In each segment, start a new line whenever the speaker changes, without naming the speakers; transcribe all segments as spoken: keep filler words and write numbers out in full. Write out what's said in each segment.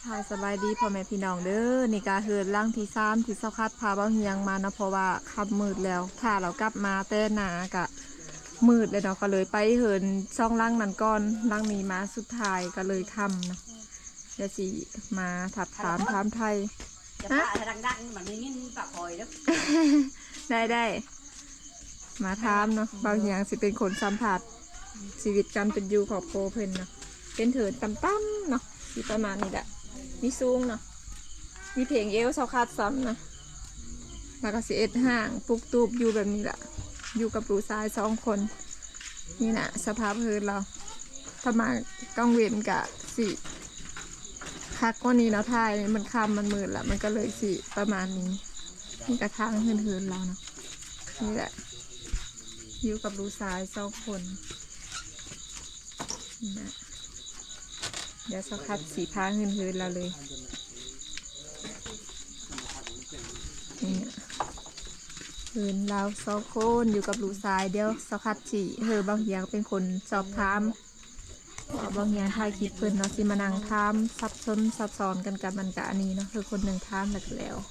ค่ะสบายดีพ่อแม่พี่น้องเด้อนี่กาเฮินล่างที่สามที่เศร้าคัดพาเบ้าเฮียงมานะเพราะว่าค่ำมืดแล้วถ้าเรากลับมาแต่หนากะมืดเลยเนาะก็เลยไปเฮินช่องล่างนั้นก่อนล่างนี้มาสุดท้ายก็เลยค่ำนะเดี๋ยวสิมาถับถามถามไทย
จะป้าดังๆมันไม่งิ้นปากคอยแล้ว
ได้ได้มาถามเนาะเบ้าเฮียงสิเป็นคนสัมผัสชีวิตการเป็นอยู่ของโปเพิ่นเนาะเป็นเถินต่ำๆเนาะสิประมาณนี้แหละมีสูงเนาะมีเพลงเอวเศร้าคัดซ้ำนะแล้วก็สิเอ็ดห่างปุกตูบอยู่แบบนี้แหละอยู่กับลูกชายสองคนนี่นะสภาพพื้นเราถ้ามากังเวนกะสิคักกว่านี้เนาะทายมันคำมันมืดละมันก็เลยสิประมาณนี้นี่กระทางเฮือนๆเราเนาะนี่แหละอยู่กับลูกชายสองคนนี่นะเดี๋ยวสักพักสีพาเฮือนๆเราเลยนี่เฮือนเราสองคนอยู่กับลูกชายเดี๋ยวสักพักสีเฮอบางอย่างเป็นคนสอบถามว่าบางอย่างถ่ายคลิปเพิ่นเนาะสิมานั่งถามซับซ้อนซับซ้อนกันกับมันกะอันนี้เนาะคือคนหนึ่งถามแล้วก็แล้ว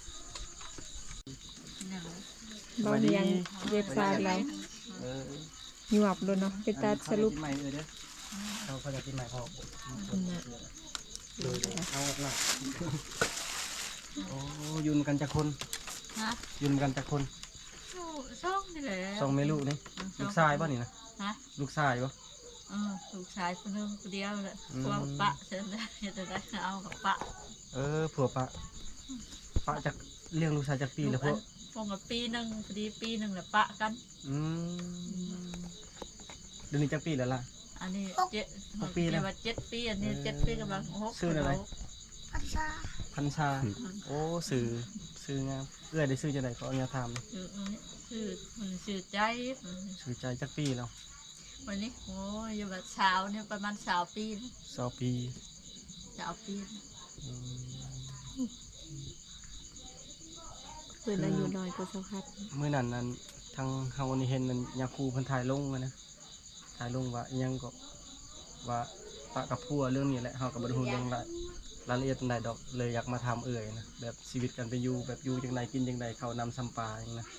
บางอย่างเว็บไซต์เราหยวบเลยเนาะเป็นตาสรุป
ใหม่เลยเด้อเราเขาจะกินใหม่พอดูเอาหน่อยโอ้ยืนกันจากคนยืนกันจากคน
ช่องนี่แหละ
สองเมลูกนี่ลูกชายป่ะนี่นะลูกชายป่ะ
เออลูกชายคนนึงคนเดียวเลยพวกปะเชิญได้จะได้เอากับปะ
เออผัวปะปะจากเลี้ยงลูกชายจากปีแล้วพวก
พวกกับปีหนึ่งพอดีปีหนึ่งแหละปะกัน
อืมเดือนนี้จากปีแล้วล่ะ
อันนี้เจ็ดปีแล้วเจ็ดปีอันนี้เจ็ดปีกำลังหก
ชื่ออะไรพันชาพันชาโอ้สื่อสื่องามเอื้อได้ซื้อจะไหนเขาเอาเนี่ยทำ
ชื่อมันชื่อใจ
ชื่อใจจากปีแล้ว
วันนี้โอ้ยอยู่แบบเช้าเนี่ยประมาณสาวปี
สาวปี
สาวปี
เพื่อนอายุน้อยก็สักพัก
เมื่อนั้นนั้นทางทางวันนี้เห็นมันยาคูพันถ่ายลงนะถ่ายลงว่ายังก็ว่าปะกับพัวเรื่องนี้แหละเขากับบรรทุนเรื่องรายละเอียดใดดอกเลยอยากมาทำเอ่ยนะแบบชีวิตกันไปอยู่แบบอยู่จังใดกินจังใดเขานำซัมปาอย่างนะ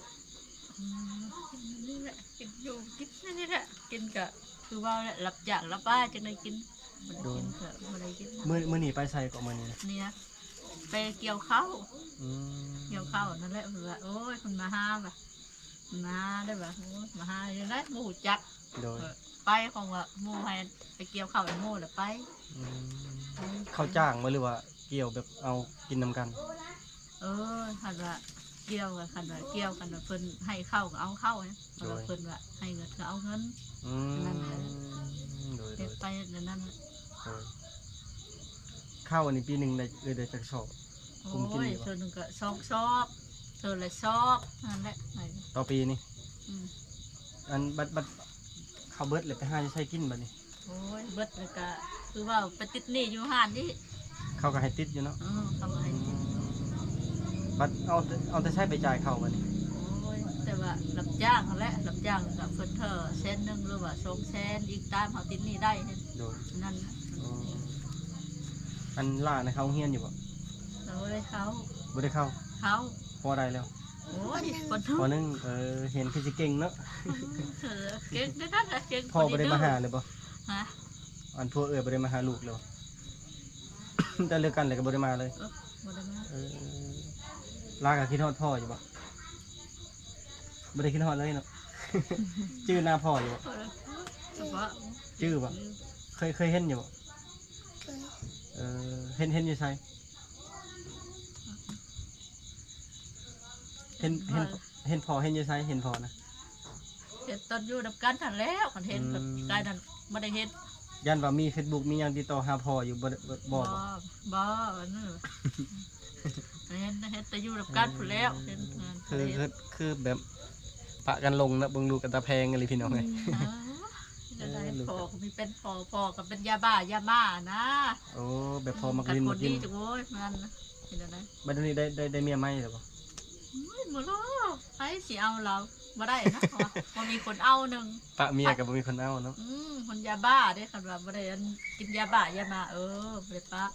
นี่แหละกินอยู่กินนี่แหละกินกะคือว่าหลับอย่างหลับบ้าจังได้กินมันกินเถอะมันได้กิน
เมื่อเมื่อหนีไปใส่ก็มื่อนี้
เนี่ยไปเกี่ยวข้าวเกี่ยวข้าวนั่นแหละคือว่าโอ้ยคนมาห้าแบบมาได้แบบมาห้าอย่างนั้นหมูจักไปของว่าหมูให้ไปเกี่ยวข้าวหมูหรือไป
เขาจ้างมาหรือว่าเกี่ยวแบบเอากินนำกัน
เออคันว่าเกี่ยวกันคันว่าเกี่ยวกันว่าเพิ่นให้เข้าก็เอาเข้าเนี่ยเพิ่นว่าให้เงินก็เอาเงินนั่นเลยไปนั่น
ข้าวอันนี้ปีหนึ่งได้เลยได้จากชอบ
โอ้ยเธอหนึ่งก็ชอบชอบเธอเลยชอบนั่นแหละ
ต่อปีนี่อันบัดบัดข้าวเบิร์ดเลยไปห้าจะใช้กินบัดนี้
โอ้ยเบิร์ดเลยก็คือว่าไปติดหนี้อยู่ห้านนี่
เขาก็ให้ติดอยู่เนาะ
เขาก็ให้ติด
บัดเอาเอาแต่ใช้ไปจ่ายเขาบัดนี้
โอ้ยแต่ว่ารับจ้างเขาแหละรับจ้างกับเฟิร์นเธอเส้นหนึ่งหรือว่าสองเส้นอีกตามเขาติดหนี้ได้นั่น
อันล่าในเขาเฮียนอยู่ป่ะ
เราได้เขา
บ่ได้เข้า
เขา
พอได้แล้ว
โอ้ย
พอนึงเออเห็นคือจะเก่งเนาะ
เก่งได้นั่นแหละเก่ง
พ่อบ่ได้มาหาเลยป่ะ
ฮะ
อันพวกเอ๋ยบ่ได้มาหาลูกเลยแต่เลิกกันเลยก็บ่ได้มาเลย
บ่ได้มา
เออลากับคิดฮอดพ่ออยู่ป่ะบ่ได้คิดฮอดเลยเนาะชื่อหน้าพ่ออยู่ป่ะชื่อป่ะเคยเคยเห็นอยู่ป่ะเออเห็นเห็นอยู่ใช่เห็นเห็นเห็นพอเห็นอยู่ใช่เห็นพอนะ
เห็นตอนอยู่ดับกันทันแล้วคนเห็นแบบกายนั้นไม่ได้เห็น
ยันว่ามีเฟซบุ๊กมียังติดต่อหาพออยู่บ่บ่
บ่อันนั้นเห็นเห็นแต่อยู่ดับกันทันแล้วเห็น
คือคือคือแบบปะกันลงนะเบิ่งลูกกันตาแพงอะไรพี่น้องไง
พอมีเป็นพอพอกับเป็นยาบ้ายาบ้านะ
โอ้แบบพอมากิน
มากินจังโว้ยมันเห็นอะไร
บัดนี้ได้ได้ได้เมียไหมหรือเปล่า
ไม่หมดแล้วไอ้สิเอาเราบ่ได้นะพอมีคนเอาหนึ่ง
ปะเมียกับบ่มีคนเอาเนาะ
อืมคนยาบ้าได้คันว่าบ่ได้กินยาบ้ายามาเออบ่ได้ปะ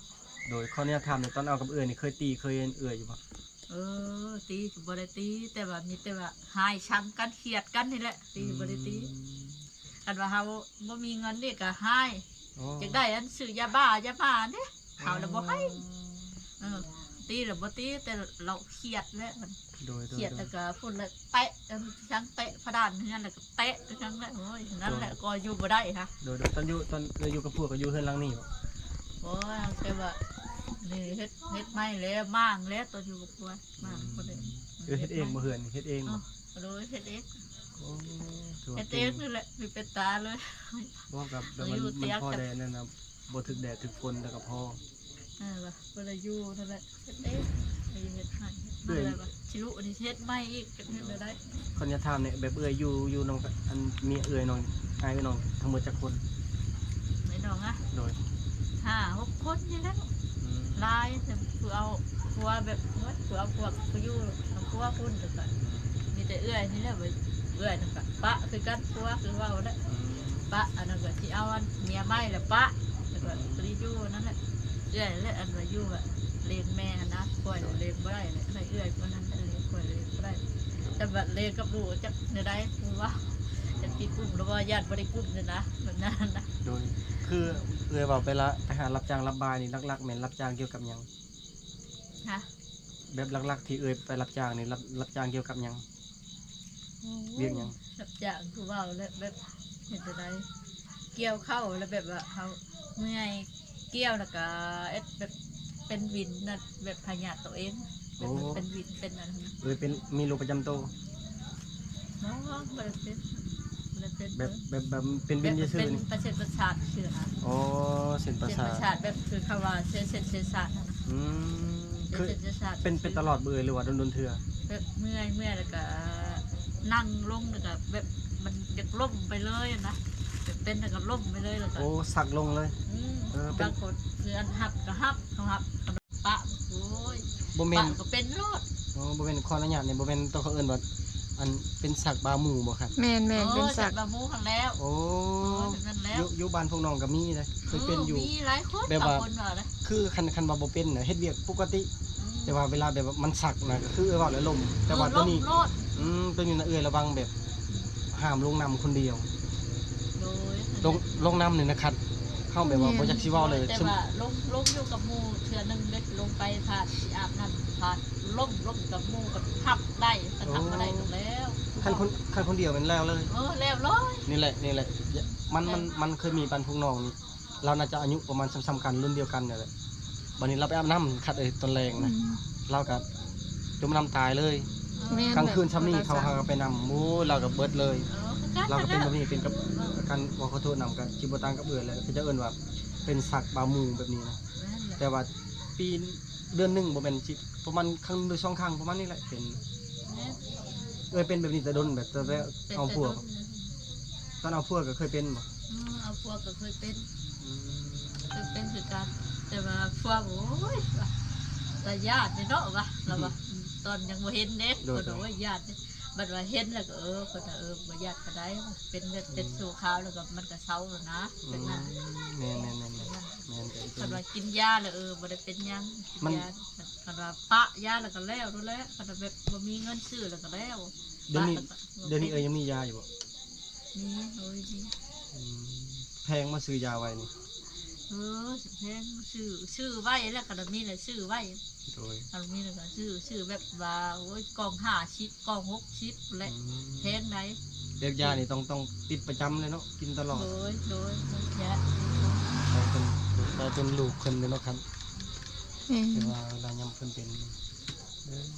โดยข้อเนี้ยทำเนี่ยตอนเอากับเอื่อยนี่เคยตีเคยเอื่อยอยู่ปะ
เออตีก็บ่ได้ตีแต่ว่ามีแต่ว่าหายช้ำกันเครียดกันนี่แหละตีบ่ได้ตีกันว่าเฮาบ่มีเงินนี่ก็หาย
โอ้
อยากได้อันซื้อยาบ้ายาบ้าเด้เขาแล้วบ่ให้เออตีแล้วบ่ตีแต่เราเครียดแล้วมัน
โดยโด
เค
ย
รียด
โด
แล้
ยว
ก็พุ่นแล้วเตะทั้งเตะพระดานเฮือนแล้วก็เตะทั้งนั้นโอ้ยนั่นแหละก็อยู่บ่ได้ค่ะ
โดยโดยตอนอยู่ตอนเราอยู่กับพวกก็อยู่เฮือนหลังนี่บ่
โอ้ยแต่ว่านี่เฮ็ดเฮ็ดไม่แล้วมั่างแล้วตอนอยู่กับพวกมั่างบ่ได้
เออเฮ็ดเองบ่เฮือนเฮ็ดเองบ่
โดยเฮ็ดเอง
โอ้ถือ
เฮ็
ว่า
ดเอ
เก่
ง
ง
นี่แหละมีเป็นตาเลย
บ่กับแบบมัน
อยู่เตี
มัน
ยง
พอ
กับ
แดดนั่นน่ะบ่ถึกแดดถึกฝนแต่ก็พอ
เออว่ะบ่ได้อยู่นั่นแหละเฮ็ดเองไอ้เฮ็ดให้นั่นแหละว่ะชิลุอันนี้เฮ็ดไม่อีกเฮ็ดเลยได้
คนจะถามเนี่ยแบบเอื่อยอยู่อยู่น้องอันมีเอื่อยน้องอายน้องทั้งหมดจักคน
ไม่น้องอ่ะ
โดย
ห้าหกคนนี่แหละ
อืม
ลายแต่คือเอาผัวแบบว่าผัวเอาพวกผู้อยู่เอาผัวพุ่นแต่ก็มีแต่เอื้อยนี่แหละเว้ยเอื้อยนั่นก็ปะคือกันผัวคือเว่าแล้ว
อืม
ปะอันนั้นก็ที่เอาอันเมียไม่ละปะแล้วก็ปรีอยู่นั่นแหละเอื้อยและอันว่าอยู่อะเลี้ยงแม่นะปล่อยเลี้ยงบ่ได้เลยให้เอื้อยคนนั้นเลี้ยงปล่อยเลี้ยงบ่ได้แต่บัดเลี้ยงกับลูกจักเนี่ยได้คือว่าจะติดกุ้มหรือว่าญาติบ่ได้กุ้มเนี่ยนะแบบนั้นนะ
โดยคือเอื่อยบอกไปละไปหารับจ้างรับบายนี่ลักๆแม่นรับจ้างเกี่ยวกับหยัง
ฮะ
แบบลักๆที่เอื่อยไปรับจ้างนี่รับรับจ้างเกี่ยวกับหยังเรียกหยัง
แบบอย่างคือว่าแล้วแบบเห็นอะไรเกี่ยวเข้าแล้วแบบว่าเขาเมื่อยเกี่ยวแล้วก็เอ็ดแบบเป็นวินนะแบบพยาธิตัวเองแบบมันเป็นวินเป็นอะไรนะ
เอื่อยเป็นมีโรคประจำตัว
น้องมันเป็นมันเป็น
แบบแบบแบบเป็น
แบ
บิน
บ
ซื่
เป็
อน ๆนี่
ประเสริฐประสาทเชื่อนะ
อ๋อเส้นประ
เส้น
สา
ประ
ท
สาทแบบคือคำว่าเส้นเส้นเส้นประสาทนะ
อืม
เส้
คื
น
อ
เส้นประสาท
เป็นเป็นตลอดเบื่อหรือว่าโดนๆเทื่อ
แบบเมื่อยเมื่อยแล้วก็นั่งลงแล้วก็แบบมันจะล่มไปเลยนะแบบเป็นแล้วก็ล่มไปเลยแล้วก็
โอ้สักลงเลย
อืม
เออเป็น
บางคนคืออันหับก็หับเขาหับปะโอ้ย
บ่แม่
ปะ
น
ก็เป็นโรด
อ๋อบ่แม่นขออนุญาตนี่บ่แม่นตัวเขาเอิ้นว่าอันเป็นสักบาหมู่บ่ครับ
แมนแมนเป็นสัก
บามูขังแล้ว
โอ้
โอ้ยเป็นนั่น
อ
แล้ว
ยู่อยู่บ้านพวกน้องก็มีเลยเคยเป็นอยู่
มีหลายคน
แบบว่า
บางคนว่าเลย
คือคันคันว่าบ่เป็นน่ะเฮ็ดเวียกปกติ แต่ว่าเวลาแบบว่ามันสักน่ะก็คือเออว่าแล้วลมแต่ว่าตัวนี้
โรด
อืมตัวนี้น่ะเอ้ยระวังแบบห้ามลงน้ำคนเดียว
โดย
ลงลงน้ำนี่นะครับเข้าแบบว่าบ่อยากสิเว้าเลย
แต่
ซึ่ง
ว่าลงลงอยู่กับหมูเทือนึงเด็กลงไปผ่านที่อาบน้ำผ่านล่มล่มกับหมูกับทับได้ก็ทับมาได้ตรงแล้ว
คันคนคันคนเดียวแมันแล้วเลย
เออแล้วร้อย
นี่แหละนี่แหละมันมันมันเคยมีปันพวกน้องนี่เราน่าจะอายุประมาณซ้ำๆกันรุ่นเดียวกันเนี่ยแหละบัดนี้เราไปอาบน้ำคัดเอ้ยตอนแรงนะเราก็จมน้ำตายเลย
แม่น
กลางคืนซ้ำนี่เขาหาไปนำหมูเราก็เบิดเลย
เออคือ
เรา
กั
ก็
น
เป็น
นะ
แบบนี้เป็นกับการว่าขอโทษนำกับจิบตังกับเอือเลยเขาจะเอิ้นว่าเป็นสักบาหมูแบบนี้นะแต่ว่าปีเดือนหนึ่งบ่เป็นสิประมาณครั้งหรือสองครั้งประมาณนี้แหละเป็นเอ้ยเป็นแบบนี้แต่โดนแบบแต่ว่าเอาพวกตอนเอาพวกก็เคยเป็นบ่
เอาพวกก็เคยเป็นเคยเป็นคือกันแต่ว่าพวกโอ้ยแต่ญาติเนาะวะเราว่าตอนยังบ่เห็นเด็กคนบอกว่าญาติบัดว่าเห็นแล้วก็เออคนเออบ่ญาติก็ได้เป็นเลือดเป็นสูขาวแล้วก็มันก็เศร้าแล้วนะเป็นนั่น
แม่นแม่นแม่นแม่นแม่นแต่อีก
คันว่ากินยาแล้วเออบ่ได้เป็นหยัง
มัน
ยาคันว่าปะยาแล้วก็แล้วรู้แล้วคันว่าแบบบ่มีเงินซื้อแล้วก็แล้ว
เดี๋ยวนี้
ปะแล้วก็
เดี๋ยวนี้เอ้ยยังมียาอยู่บ่
มีโอ้ยมี
อืมแพงมาซื้อยาไว้นี่
เออสิแพงซื้อซื้อไว้แล้วก็มีแหละซื้อไว้
โดย
อันนี้แล้วก็ซื้อซื้อแบบว่าโอ้ยกล่องห้าชิปกล่องหกชิปแหละแพงไหน
เด็กยานี่ต้องต้องติดประจำเลยเนาะกินตลอด
โดยโดยยา
ไปเป็นไปเป็นลูกเพิ่นเลยเนาะครับ
แม่น
แต่ว่าเวลายำเพิ่นเป็นเด้อ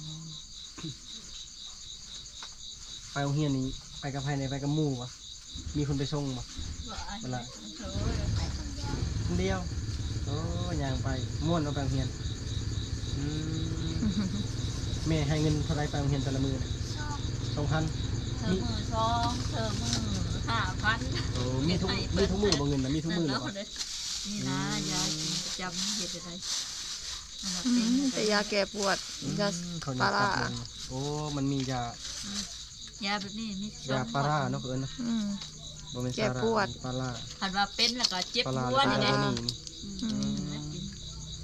ไปโรงเรียนนี่ไปกับใครในไปกับหมู่วะมีคนไปส่งบ่ เวลา
โอ้ย
คนเดียวโอ้ยางไปม่วนเอาไปโรงเรียนอืมแม่ให้เงินเท่าไรไปโรงเรียนแต่ละมื้อน่ะสองพัน
เธอมือสองเธอมือห้าพัน
โอ้มีทุกมีทุกมื้อบ่เงินน่ะมีทุกมื้อ
นั่
เล
น
ย
แล้ว
บ่
เลยนี่นะยากินประจำเห็ดอะไรนั่นน่ะ
อื
เป็น
มแต่ยาแก้ปวดยา
เขา
ปลา
ป
ร้า
ลาโอ้มันมียาย
าแบบนี้มีสอง
ยาปลาร้าเนาะเอิ้นเนาะ
อืม
บ่แม่น
แก้
ซาร่า
ปวด
ปลาร้า
คันว่าเป็นแล้วก็เจ็บ
ปลาร้า
หัวนี่
แล้
นะ
วก็นี่
อืมแล้วกิน
คื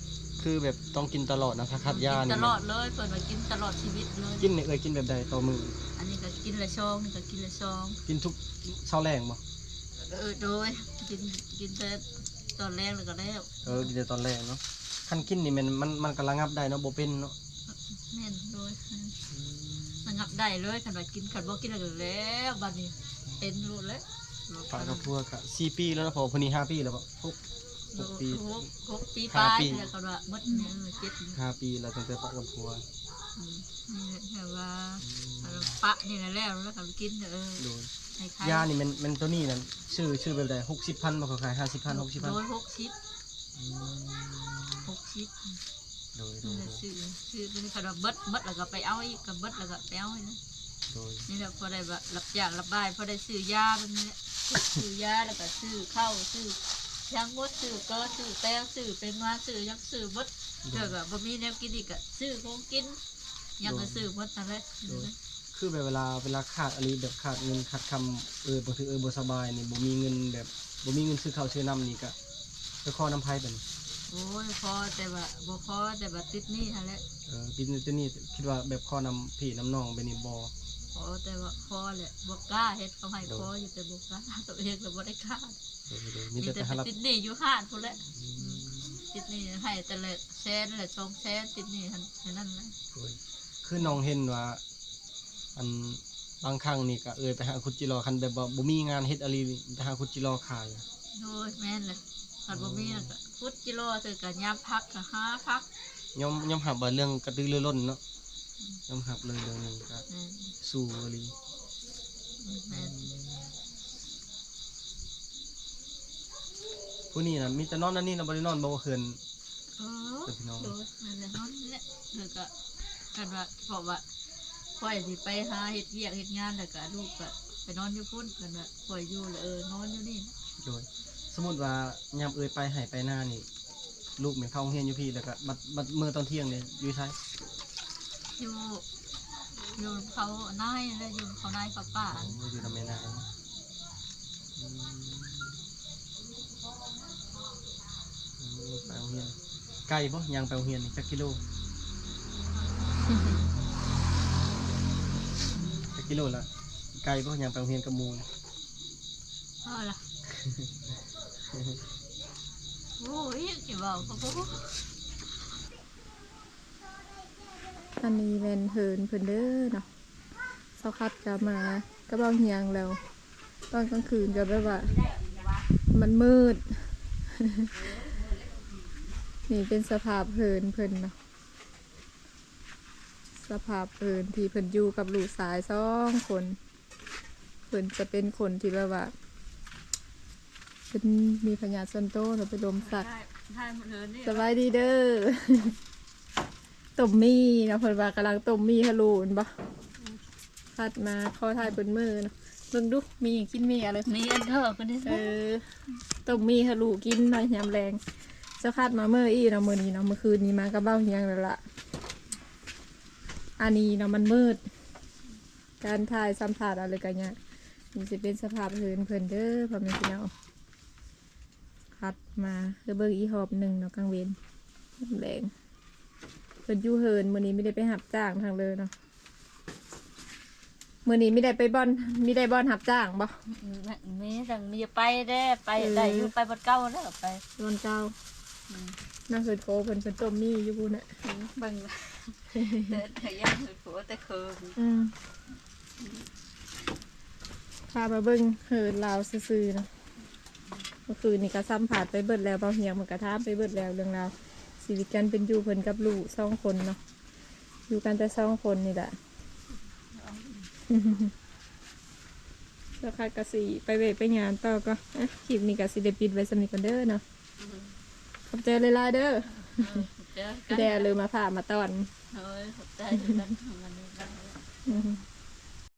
คือแบบต้องกินตลอดนะถ้าขาดยา
กิน
นี่
ตลอดเลยเปิดมากินตลอดชีวิตเลย
กินนี่เอ้ยกินแบบใดต่อมื้อ
อันนี้ก็กินละช่องนี่ก็กินละช่อง
กินทุกเช้าแรงบ่
เออโดยกินกินแต่ตอนแรกเลยก็แล้ว
เออกินแต่ตอนแรกเนาะคันกินนี่มันมันมันก็ระงับได้เนาะบ่เป็นเนาะ
แม่นโดยระงับได้เลยคันว่ากินคันบ่กินแล้วก็แล้วบัดนี้เป็นรู้แล้ว
ฝากกับพวกก็สี่ปีแล้วนะพอพุ่นนี้ห้าปีแล้วบ่หกหกปี
หกหกปี
ห้า
ปลาย
ปี
แล้วก็ว่าหมดเนี่ยเออเจ็ดนี่
ห้าปีแล้วตั้งแต่ฝากกับพัว
อืมนี่แหละแต่ว่าปะนี่แหละแล้วแล้วก็กินเออ
โดย
ให้ใคร
ยานี่มันมันตัวนี้นั่นชื่อชื่อแบบใดหกสิบพันบ่เขาขายห้าสิบพันหกสิบพัน
โดยหกสิบหกสิบ
โดยโด
นี่
ย
แหละซื้อซื้อนี่คันว่าเบิดเบิดแล้วก็ไปเอาอีกก็เบิดแล้วก็ไปเอาอีกนะ
โดย
นี่แหละพอได้แบบรับจ้างรับบายพอได้ซื้อยาแบบนี้ซื้อยาแล้วก็ซื้อข้าวซื้อยางมดซื้อก็ซื้อแป้งซื้อเป็นมาซื้อยังซื้อมดเกิดแบบบะมีแนวกินอีกอะซื้อของกินยังก็ซื้อมดนั่นแหละ
คือแบบเวลาเวลาขาดอะไรแบบขาดเงินขาดคำเออบางทีเออบ่สบายนี่บ่มีเงินแบบบ่มีเงินซื้อข้าวซื้อน้ำนี่ก็ไปขอน้ำไผเป็น
โอ้ยพอแต่ว่าบ่พอแต่ว่าติดหนี่นั่นแหละ
เออปีนี้ตัวนี้คิดว่าแบบขอนำพี่น้ำน้องไปนี่บ่
พอแต่ว่าพอแหละบ่กล้าเฮ็ดเขาให้พออยู่แต่บ่กล้าตัวเองก็บ่ได้กล้า
โดยโดยมี
มี
แต่
แต่
ไปหารับ
ติดหนี่อยู่ห้านพุ่นแหละติดหนี่ให้แต่ละแสนนั่นแหละสองแสนติดหนี่หั่นแค่นั้นแหละ
โดยคือน้องเห็นว่าอันบางครั้งนี่ก็เอยไปหาคุดจิรอคันแบบว่าบ่มีงานเฮ็ดอะไรนี่ไปหาคุดจิรอขาย
โดยแม่นเลยคันบ่มีน่ะก็ฟุตกิโลถือกันยามพักก็ห้าพัก
ยอมยอมหับว่าเรื่องกระตือรือร้นเนาะยอมหับเลยเรื่องนี้ก็
แม่น
สู้อีหลี
แม่น
ผู้นี้น่ะมีแต่นอนนั่นนี่น่ะบ่ได้นอนบ่ว่าเคืน
เออ
เดี๋ยวพี่น้อง
โดยนั่นแหละนอนนี่แหละเธอก็กันว่าเพราะว่าพ่อยสิไปหาเฮ็ดเวียกเฮ็ดงานแล้วก็ลูกก็ไปนอนอยู่พุ่นกันว่าพ่อยอยู่แล้วเออนอนอยู่นี่นะ
โดยสมมุติว่ายามเอยไปให้ไปหน้านี่ลูกแม่นเข้าโรงเรียนอยู่พี่แล้วก็บัดบัดมื้อตอนเที่ยงนี่อยู่ไส
อยู่อยู่เขานายแล้วอยู่เขานายกับป้า
อ๋ออยู่นำแม่นางอืมอืมไปโรงเรียนไกลบ่ยังไปโรงเรียนนี่จักกิโลจักกิโลละไกลบ่ยังไปโรงเรียนกับหมู่
เอาล่ะโอ้ยสิเว้าก็บ่
อันนี้แม่นเฮินเพิ่นเด้อเนาะเซาคัดกลับมาก็เบาเฮียงแล้ว ตอนกลางคืนก็แบบว่า มันมืด นี่เป็นสภาพเฮินเพิ่นเนาะสภาพเฮินที่เพิ่นอยู่กับลูกสายสองคนเพิ่นจะเป็นคนที่แบบว่าเป็นมีพญาติส่วนโตเนาะเป็นลมสัตว์
ได้ได้หมดเลยนี่
สบายดีเด้อ ต้มมี่เนาะเพิ่นว่ากำลังต้มมี่ฮะลูนบ่คัดมาเข้อทายเพิ่นมือเนาะเบิ่งดูมีหยังกินมีอะไร
มีอันเถอะก็ได้
เออต้มมี่ฮะลูกินหน่อยยามแรงเจ้าคัดมาเมื่ออีเนาะมื้อนี้เนาะเมื่อคืนนี้มากับเบ้าเฮียงแล้วล่ะอันนี้เนาะมันมืด การถ่ายสัมภาษณ์อะไรกันเนี่ยนี่สิเป็นสภาพเพิ่นเพิ่นเด้อพ่อแม่พี่น้องคัดมาเด้อเบิ่งอีหอบหนึงเนาะกลางเวรยามแรง เพิ่นอยู่เฮินมื้อนี้ไม่ได้ไปหับจ้างทางเลยเนาะมื้อนี้ไม่ได้ไปบ่อนไม่ได้บ่อนหับจ้างบ่
มีดังมีไปได้ไป
เออ
ได้อยู่ไปบนเก้าแล้วไป
บ่อนเจ้าน่าเพิ่นโคเพิ่นเพิ่นต้มมี่อยู่พุ่นน่ะ
เบิ่งแต่แต่ยังคือผัวแต่เคิม
อืมพามาเบิ่งเฮินลาวซื่อๆเนาะเมื่อคืนนี่ก็ซ้ำผ่านไปเบิดแล้วเบาเหียงมันก็ถามไปเบิดแล้วเรื่องราวชีวิตกันเป็นอยู่เพิ่นกับลูกสองคนเนาะอยู่กันแต่สองคนนี่แหละ แล้วค่ะกะสีไปเวทไปงานต่อก็อ่ะคลิปนี้กะสีเดปิดไว้สำนิทกันเด้อเนาะขอบใจเลยล่ะเด้อ
เจอ
พี่แดเลยมาผ่ามาตอน
เฮ้ยขอบใจกันทำงานนี้กัน
อืม